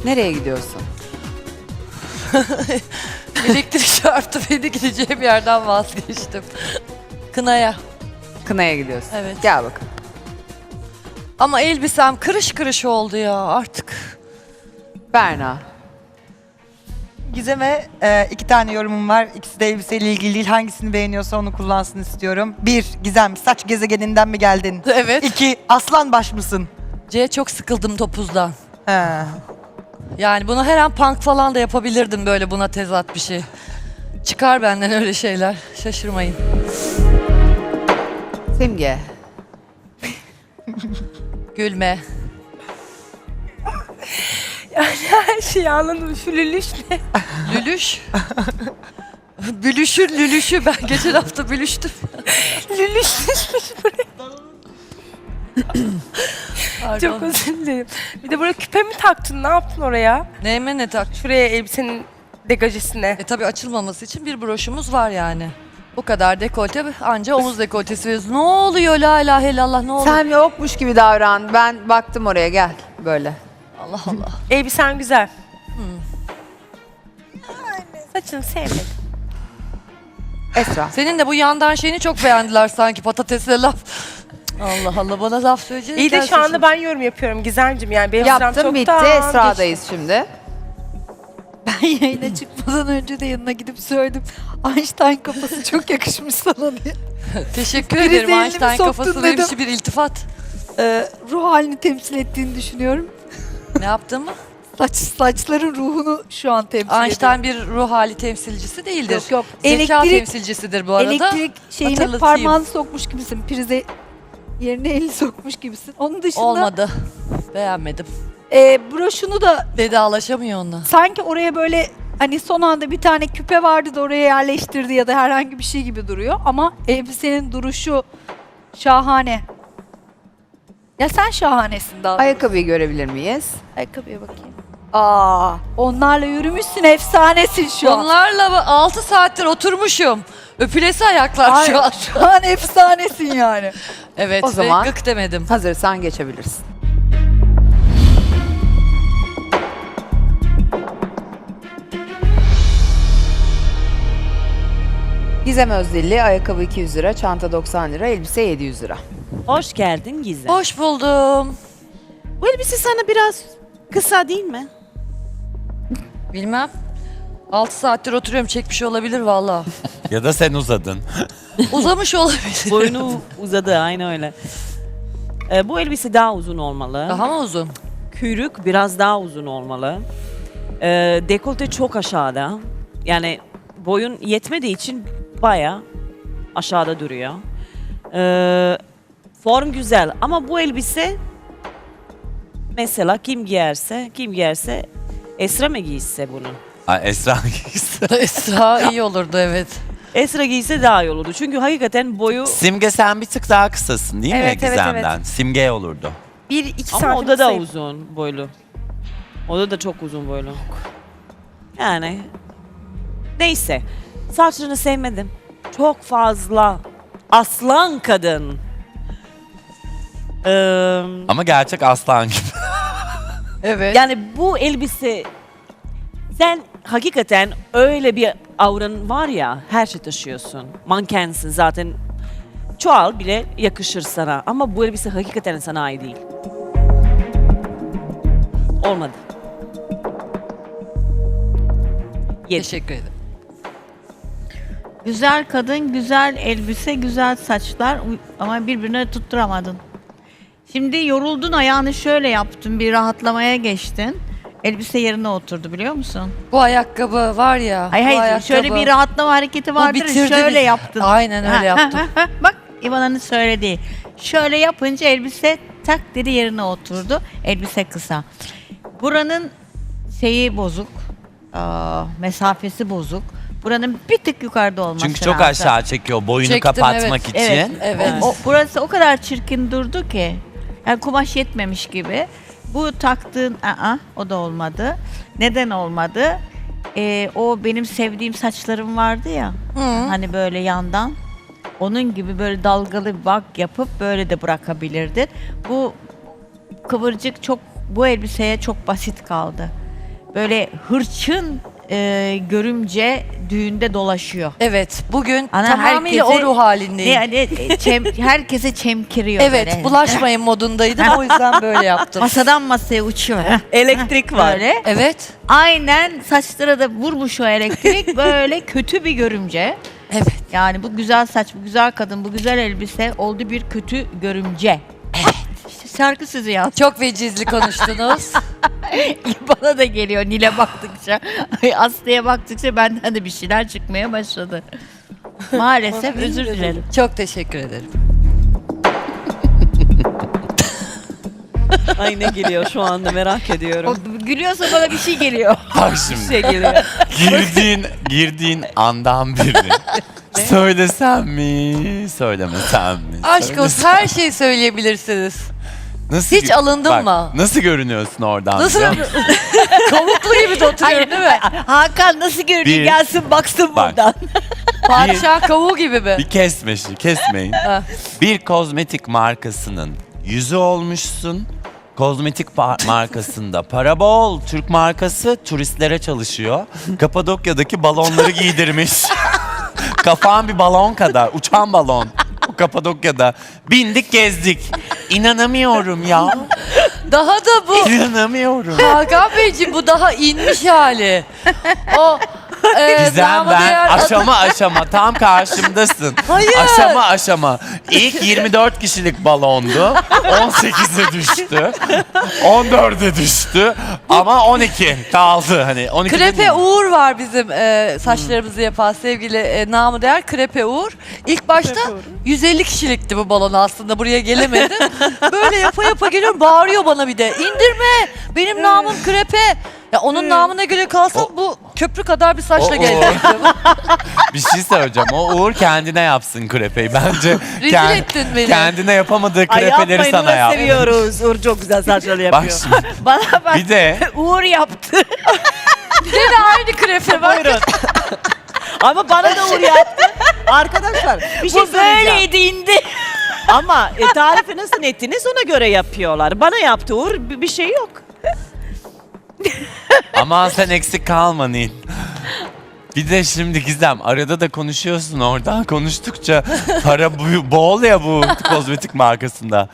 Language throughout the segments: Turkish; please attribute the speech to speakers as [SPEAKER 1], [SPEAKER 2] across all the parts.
[SPEAKER 1] Nereye gidiyorsun?
[SPEAKER 2] Elektrik çarptı beni, gideceğim yerden vazgeçtim. Kınaya.
[SPEAKER 1] Kınaya gidiyorsun.
[SPEAKER 2] Evet.
[SPEAKER 1] Gel bakalım.
[SPEAKER 2] Ama elbisem kırış kırış oldu ya artık.
[SPEAKER 1] Berna.
[SPEAKER 3] Gizem'e 2 tane yorumum var. İkisi de elbiseyle ilgili değil. Hangisini beğeniyorsa onu kullansın istiyorum. 1. Gizem, saç gezegeninden mi geldin?
[SPEAKER 2] Evet.
[SPEAKER 3] 2. Aslan baş mısın?
[SPEAKER 2] C, çok sıkıldım topuzdan.
[SPEAKER 3] He.
[SPEAKER 2] Yani bunu her an punk falan da yapabilirdim, böyle buna tezat bir şey. Çıkar benden öyle şeyler. Şaşırmayın.
[SPEAKER 1] Simge.
[SPEAKER 2] Gülme.
[SPEAKER 4] Her şeyi anladım. Şu lülüş ne?
[SPEAKER 2] Lülüş. Bülüşün lülüşü. Ben geçen hafta bülüştüm.
[SPEAKER 4] Lülüş düşmüş buraya.
[SPEAKER 2] Pardon.
[SPEAKER 4] Çok özür dilerim. Bir de buraya küpe mi taktın? Ne yaptın oraya?
[SPEAKER 2] Neyime ne tak?
[SPEAKER 4] Şuraya elbisenin degajesine.
[SPEAKER 2] Tabii açılmaması için bir broşumuz var yani. Bu kadar dekolte, anca omuz dekoltesi veriyoruz. Ne oluyor la ilahe illallah, ne oluyor?
[SPEAKER 1] Sen yokmuş gibi davran. Ben baktım oraya, gel. Böyle.
[SPEAKER 2] Allah Allah.
[SPEAKER 4] Elbisen güzel. Saçını sevmedim.
[SPEAKER 1] Esra.
[SPEAKER 2] Senin de bu yandan şeyini çok beğendiler sanki, patatesle laf. Allah Allah, bana laf söyleyecek.
[SPEAKER 4] İyi de şu anda ben yorum yapıyorum Gizemciğim. Yani benim sıram
[SPEAKER 1] Yaptım, bitti.
[SPEAKER 4] çoktan
[SPEAKER 1] Esra'dayız şimdi.
[SPEAKER 5] Ben yayına çıkmadan önce de yanına gidip söyledim. Einstein kafası çok yakışmış sana diye.
[SPEAKER 2] Teşekkür
[SPEAKER 5] Kriz
[SPEAKER 2] ederim.
[SPEAKER 5] elini
[SPEAKER 2] Einstein
[SPEAKER 5] soktun
[SPEAKER 2] kafası benim
[SPEAKER 5] dedim.
[SPEAKER 2] için bir iltifat.
[SPEAKER 5] Ruh halini temsil ettiğini düşünüyorum.
[SPEAKER 2] Ne yaptın mı?
[SPEAKER 5] Saçların ruhunu şu an temsil ediyor.
[SPEAKER 2] Einstein bir ruh hali temsilcisi değildir.
[SPEAKER 5] Yok, yok.
[SPEAKER 2] Zeka
[SPEAKER 5] Elektrik-
[SPEAKER 2] temsilcisidir bu arada.
[SPEAKER 5] Elektrik şeyine
[SPEAKER 2] Hatırlatayım.
[SPEAKER 5] parmağını sokmuş gibisin. Prize yerine elini sokmuş gibisin. Onun dışında
[SPEAKER 2] Olmadı. Beğenmedim.
[SPEAKER 5] broşunu da
[SPEAKER 2] Vedalaşamıyor onunla.
[SPEAKER 5] sanki oraya böyle hani son anda bir tane küpe vardı da oraya yerleştirdi ya da herhangi bir şey gibi duruyor. Ama elbisenin duruşu şahane. Ya sen şahanesin daha.
[SPEAKER 1] Ayakkabıyı görebilir miyiz?
[SPEAKER 5] Ayakkabıya bakayım. Onlarla yürümüşsün, efsanesin şu an.
[SPEAKER 2] Onlarla 6 saattir oturmuşum. Öpülesi ayaklar
[SPEAKER 5] Ay,
[SPEAKER 2] şu an.
[SPEAKER 5] şu an efsanesin yani.
[SPEAKER 2] Evet,
[SPEAKER 1] O zaman-
[SPEAKER 2] ve gık demedim.
[SPEAKER 1] Hazırsan geçebilirsin. Gizem Özdilli, ayakkabı 200 lira, çanta 90 lira, elbise 700 lira.
[SPEAKER 6] Hoş geldin Gizem.
[SPEAKER 2] Hoş buldum.
[SPEAKER 6] Bu elbise sana biraz kısa değil mi?
[SPEAKER 2] Bilmem. 6 saattir oturuyorum, çekmiş olabilir valla.
[SPEAKER 7] Ya da sen uzadın.
[SPEAKER 2] Uzamış olabilir.
[SPEAKER 6] Boynu uzadı, aynı öyle. Bu elbise daha uzun olmalı.
[SPEAKER 2] Daha mı uzun?
[SPEAKER 6] Kuyruk biraz daha uzun olmalı. Dekolte çok aşağıda. Yani boyun yetmediği için baya aşağıda duruyor. Form güzel ama bu elbise mesela kim giyerse Esra mı giyse bunu?
[SPEAKER 7] Esra
[SPEAKER 2] Esra iyi olurdu, evet.
[SPEAKER 6] Esra giyse daha iyi olurdu. Çünkü hakikaten boyu
[SPEAKER 7] Simge sen bir tık daha kısasın değil mi
[SPEAKER 4] Evet, evet,
[SPEAKER 7] Gizem'den? Simge olurdu.
[SPEAKER 4] 1-2
[SPEAKER 6] ama
[SPEAKER 4] santim
[SPEAKER 6] o da
[SPEAKER 4] sayı.
[SPEAKER 6] uzun boylu. O da çok uzun boylu. Yani neyse. Saçlarını sevmedim. Çok fazla aslan kadın.
[SPEAKER 7] Ama gerçek aslan gibi.
[SPEAKER 2] Evet.
[SPEAKER 6] Yani bu elbise sen hakikaten öyle bir auran var ya, her şey taşıyorsun. Mankensin zaten. Çoğal bile yakışır sana ama bu elbise hakikaten sana ait değil. Olmadı. Yedi.
[SPEAKER 2] Teşekkür ederim.
[SPEAKER 8] Güzel kadın, güzel elbise, güzel saçlar ama birbirine tutturamadın. Şimdi yoruldun, ayağını şöyle yaptın, bir rahatlamaya geçtin. Elbise yerine oturdu biliyor musun?
[SPEAKER 2] Bu ayakkabı var ya.
[SPEAKER 8] Hayır
[SPEAKER 2] bu
[SPEAKER 8] hayır,
[SPEAKER 2] ayakkabı,
[SPEAKER 8] şöyle bir rahatlama hareketi vardır,
[SPEAKER 2] bitirdi
[SPEAKER 8] şöyle
[SPEAKER 2] bizi.
[SPEAKER 8] yaptın.
[SPEAKER 2] Aynen öyle yaptım.
[SPEAKER 8] Bak İvana'nın söylediği. Şöyle yapınca elbise tak dedi yerine oturdu. Elbise kısa. Buranın şeyi bozuk, mesafesi bozuk. Buranın bir tık yukarıda olması
[SPEAKER 7] Çünkü çok
[SPEAKER 8] lazım.
[SPEAKER 7] aşağı çekiyor boyunu
[SPEAKER 2] Çektim,
[SPEAKER 7] kapatmak
[SPEAKER 2] evet.
[SPEAKER 7] için.
[SPEAKER 8] Evet.
[SPEAKER 2] Evet.
[SPEAKER 8] Burası o kadar çirkin durdu ki. Yani kumaş yetmemiş gibi. Bu taktığın o da olmadı. Neden olmadı? O benim sevdiğim saçlarım vardı ya. Hani böyle yandan. Onun gibi böyle dalgalı bir bak yapıp böyle de bırakabilirdin. Bu kıvırcık çok bu elbiseye çok basit kaldı. böyle hırçın görümce düğünde dolaşıyor.
[SPEAKER 2] Evet, bugün
[SPEAKER 8] Ana
[SPEAKER 2] tamamıyla o
[SPEAKER 8] herkese-
[SPEAKER 2] ruh halindeyim.
[SPEAKER 8] Yani herkese çemkiriyor
[SPEAKER 2] Evet,
[SPEAKER 8] böyle.
[SPEAKER 2] bulaşmayın modundaydım. O yüzden böyle yaptım.
[SPEAKER 8] Masadan masaya uçuyor.
[SPEAKER 6] Elektrik var.
[SPEAKER 8] Böyle.
[SPEAKER 2] Evet,
[SPEAKER 8] Aynen saçlara da vurmuş o elektrik. Böyle kötü bir görümce.
[SPEAKER 2] evet.
[SPEAKER 8] Yani bu güzel saç, bu güzel kadın, bu güzel elbise oldu bir kötü görümce. Evet. İşte şarkı sözü yaz.
[SPEAKER 2] Çok vecizli konuştunuz.
[SPEAKER 8] Bana da geliyor Nil'e baktıkça. Aslı'ya baktıkça benden de bir şeyler çıkmaya başladı. Maalesef özür dilerim.
[SPEAKER 2] Çok teşekkür ederim.
[SPEAKER 6] Ay ne geliyor şu anda merak
[SPEAKER 8] O
[SPEAKER 6] ediyorum.
[SPEAKER 8] gülüyorsa bana bir şey geliyor.
[SPEAKER 7] Bak şimdi.
[SPEAKER 6] Şey geliyor.
[SPEAKER 7] girdiğin andan biri. Söylesem mi, söylemesem mi?
[SPEAKER 2] Aşk olsun, her şeyi söyleyebilirsiniz.
[SPEAKER 7] Nasıl
[SPEAKER 2] Hiç alındın mı?
[SPEAKER 7] Nasıl görünüyorsun oradan?
[SPEAKER 2] Nasıl?
[SPEAKER 7] biliyor musun?
[SPEAKER 2] Kavuklu gibi de oturuyorum değil mi?
[SPEAKER 8] Hakan nasıl görünüyor?
[SPEAKER 7] Bir-
[SPEAKER 8] Gelsin baksın
[SPEAKER 7] Bak.
[SPEAKER 8] buradan.
[SPEAKER 2] Padişah kavuğu gibi mi?
[SPEAKER 7] Bir kesmeyin.
[SPEAKER 2] Ha.
[SPEAKER 7] Bir kozmetik markasının yüzü olmuşsun. Kozmetik markasında para bol. Türk markası turistlere çalışıyor. Kapadokya'daki balonları giydirmiş. Kafan bir balon kadar. Uçan balon. O Kapadokya'da. Bindik gezdik. İnanamıyorum ya.
[SPEAKER 2] Daha da bu.
[SPEAKER 7] İnanamıyorum.
[SPEAKER 2] Hakan Beyciğim bu daha inmiş hali. O
[SPEAKER 7] Gizem
[SPEAKER 2] namı
[SPEAKER 7] ben
[SPEAKER 2] değer-
[SPEAKER 7] aşama tam karşımdasın.
[SPEAKER 2] Hayır.
[SPEAKER 7] Aşama. İlk 24 kişilik balondu. 18'e düştü. 14'e düştü. Ama 12 kaldı. Hani 12
[SPEAKER 2] Krepe
[SPEAKER 7] değil.
[SPEAKER 2] Uğur var bizim saçlarımızı yapan sevgili namı değer Krepe Uğur. İlk başta 150 kişilikti bu balon aslında, buraya gelemedi. Böyle yapa geliyor, bağırıyor bana bir de. İndirme, benim namım Krepe. Ya onun namına göre kalsam bu köprü kadar bir saçla
[SPEAKER 7] O
[SPEAKER 2] gelecektim.
[SPEAKER 7] Bir şey söyleyeceğim. O Uğur kendine yapsın krepeyi. Bence
[SPEAKER 2] Rezil ettin beni.
[SPEAKER 7] kendine yapamadığı
[SPEAKER 6] Ay
[SPEAKER 7] krepeleri
[SPEAKER 6] yapmayın
[SPEAKER 7] sana
[SPEAKER 6] Uğur
[SPEAKER 7] yap.
[SPEAKER 6] seviyoruz. Uğur çok güzel saçları
[SPEAKER 7] Bak
[SPEAKER 6] yapıyor.
[SPEAKER 7] şimdi.
[SPEAKER 8] Bana bak.
[SPEAKER 7] Bir de
[SPEAKER 8] Uğur yaptı.
[SPEAKER 2] Yine aynı krepe bak.
[SPEAKER 6] Buyurun. Ama bana da Uğur yaptı. Arkadaşlar bir şey
[SPEAKER 8] Bu
[SPEAKER 6] söyleyeceğim.
[SPEAKER 8] böyleydi indi.
[SPEAKER 6] Ama tarifi nasıl ettiniz ona göre yapıyorlar. Bana yaptı Uğur bir şey yok.
[SPEAKER 7] aman sen eksik kalma Nil. Bir de şimdi Gizem arada da konuşuyorsun oradan konuştukça para bol ya bu kozmetik markasında.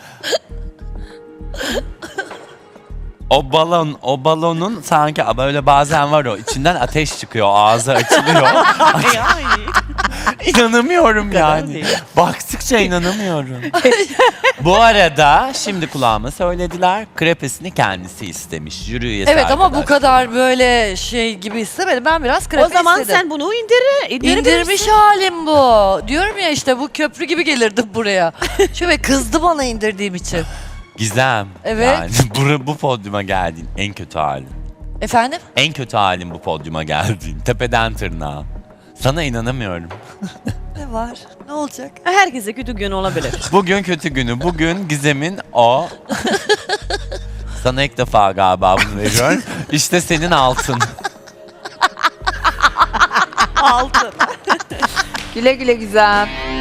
[SPEAKER 7] O balonun sanki böyle bazen var o içinden ateş çıkıyor, ağzı açılıyor.
[SPEAKER 6] Ay.
[SPEAKER 7] İnanamıyorum
[SPEAKER 6] kadar
[SPEAKER 7] yani.
[SPEAKER 6] değil.
[SPEAKER 7] Baktıkça inanamıyorum. Bu arada şimdi kulağıma söylediler. Krepesini kendisi istemiş. Jüri üyesi
[SPEAKER 2] Evet ama bu
[SPEAKER 7] arkadaş.
[SPEAKER 2] kadar böyle şey gibi istemedim. Ben biraz krepe
[SPEAKER 6] O zaman
[SPEAKER 2] istedim.
[SPEAKER 6] sen bunu indirebilirsin.
[SPEAKER 2] İndirmiş halim bu. Diyorum ya işte bu köprü gibi gelirdim buraya. Şöyle kızdı bana indirdiğim için.
[SPEAKER 7] Gizem.
[SPEAKER 2] Evet.
[SPEAKER 7] Yani bu podyuma geldiğin en kötü halin.
[SPEAKER 2] Efendim?
[SPEAKER 7] En kötü halin bu podyuma geldiğin. Tepeden tırnağa. Sana inanamıyorum.
[SPEAKER 2] Ne var? Ne olacak?
[SPEAKER 6] Herkese kötü gün olabilir.
[SPEAKER 7] Bugün kötü günü. Bugün Gizem'in o... Sana ilk defa galiba bunu veriyorum. İşte senin altın.
[SPEAKER 6] Altın.
[SPEAKER 1] Güle güle Gizem.